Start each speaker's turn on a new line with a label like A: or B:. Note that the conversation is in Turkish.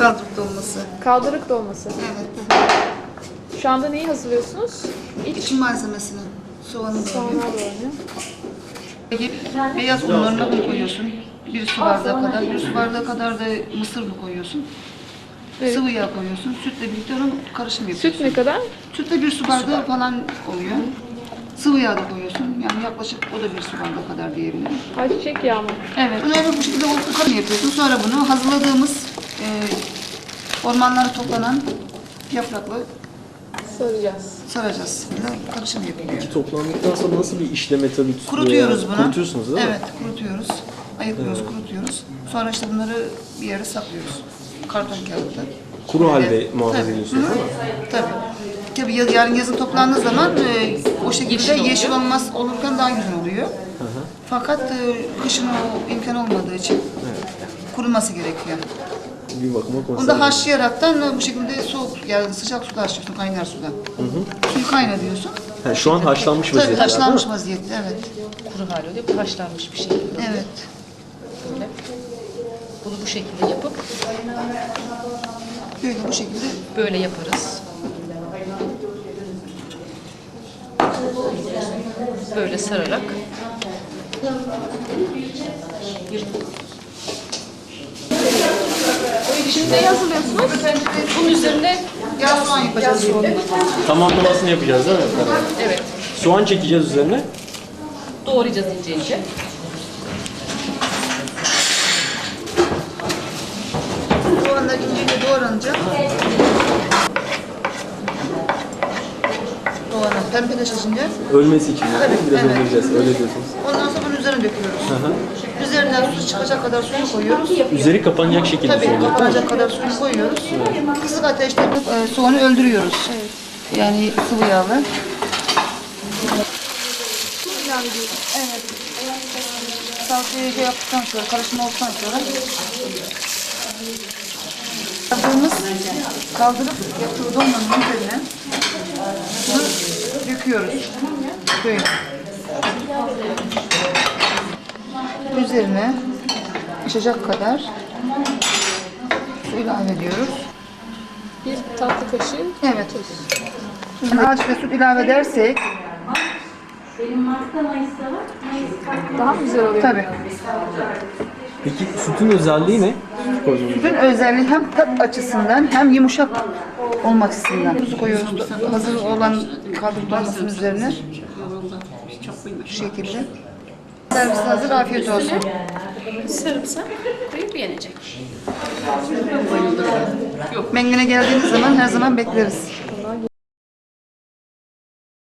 A: Kaldırık dolması.
B: Kaldırık dolması.
A: Evet.
B: Şu anda neyi hazırlıyorsunuz?
A: İçin malzemesini. Soğanı
B: Soğanlar
A: doğruyor.
B: doğranıyor.
A: Peki beyaz unlarına un koyuyorsun. Bir su bardağı kadar. Bir su bardağı kadar da mısır unu koyuyorsun.
B: Evet.
A: Sıvı yağ koyuyorsun. Sütle birlikte onun karışım yapıyorsun.
B: Süt ne kadar?
A: Sütle bir su bardağı falan oluyor. Sıvı yağ da koyuyorsun. Yani yaklaşık o da bir su bardağı kadar diyebilirim.
B: Ayçiçek yağı mı?
A: Evet. Bunu bu şekilde karışım yapıyorsun. Sonra bunu hazırladığımız ormanlara toplanan yaprakla
B: Saracağız.
A: saracağız. Böyle karışım yapılıyor.
C: Toplandıktan sonra nasıl bir işleme tabii tutuluyor?
A: Kurutuyoruz bunu.
C: Kurutuyorsunuz değil mi?
A: Evet, kurutuyoruz. Ayıklıyoruz, kurutuyoruz. Sonra işte bunları bir yere saklıyoruz. Karton kağıtta.
C: Kuru halde
A: Evet.
C: muhafaza
A: Tabii.
C: ediyorsunuz değil mi?
A: Tabii. Tabii yarın yazın toplandığı zaman o şekilde yeşil olmaz olurken daha güzel oluyor. Fakat kışın o imkan olmadığı için kuruması gerekiyor.
C: Bir bakıma
A: Onu
C: konserve.
A: da haşlayaraktan bu şekilde soğuk, yani sıcak suda haşlıyorsun, kaynar suda. Suyu kaynatıyorsun.
C: Ha, şu an haşlanmış
A: Tabii
C: vaziyette.
A: haşlanmış vaziyette, evet.
D: Kuru hali oluyor. Bu haşlanmış bir şekilde oluyor.
A: Evet.
D: Böyle. Bunu bu şekilde yapıp
A: Böyle bu şekilde
D: böyle yaparız. Böyle sararak
B: Şimdi neyi hazırlıyorsunuz?
D: bunun üzerine
A: yağ soğan yapacağız şimdi.
C: Tamamlamasını yapacağız değil mi?
D: evet
C: Soğan çekeceğiz üzerine.
D: doğrayacağız ince ince.
A: Soğanlar ince ince doğranacak. Soğanlar pembeleşince
C: Ölmesi için.
A: Tabii,
C: Biraz
A: evet.
C: öldüreceğiz. Öyle diyorsunuz.
A: ondan sonra bunun üzerine döküyoruz. Üzerinden su çıkacak kadar suyu koyuyoruz.
C: Üzeri kapanacak şekilde
A: Tabii
C: soğan.
A: kapanacak kadar suyu koyuyoruz. Kısık ateşte soğanı öldürüyoruz. Yani sıvı yağla. Evet. Salçayı şey yaptıktan sonra, karışımı olduktan sonra kaldırıp yaptığı dolmanın üzerine bunu döküyoruz. Böyle. Üzerine pişecek kadar su ilave ediyoruz.
B: Bir tatlı kaşığı.
A: Evet. Şimdi azıcık da süt ilave edersek
B: Daha mı güzel oluyor?
A: tabii.
C: Peki sütün özelliği ne?
A: Sütün özelliği hem tat açısından hem yumuşak olma açısından. Tuzu koyuyoruz hazır olan kaldırık dolmasının üzerine. Şu şekilde. Servis hazır, afiyet olsun.
D: Sarımsak koyup yenecek.
A: Mengene geldiğiniz zaman her zaman bekleriz.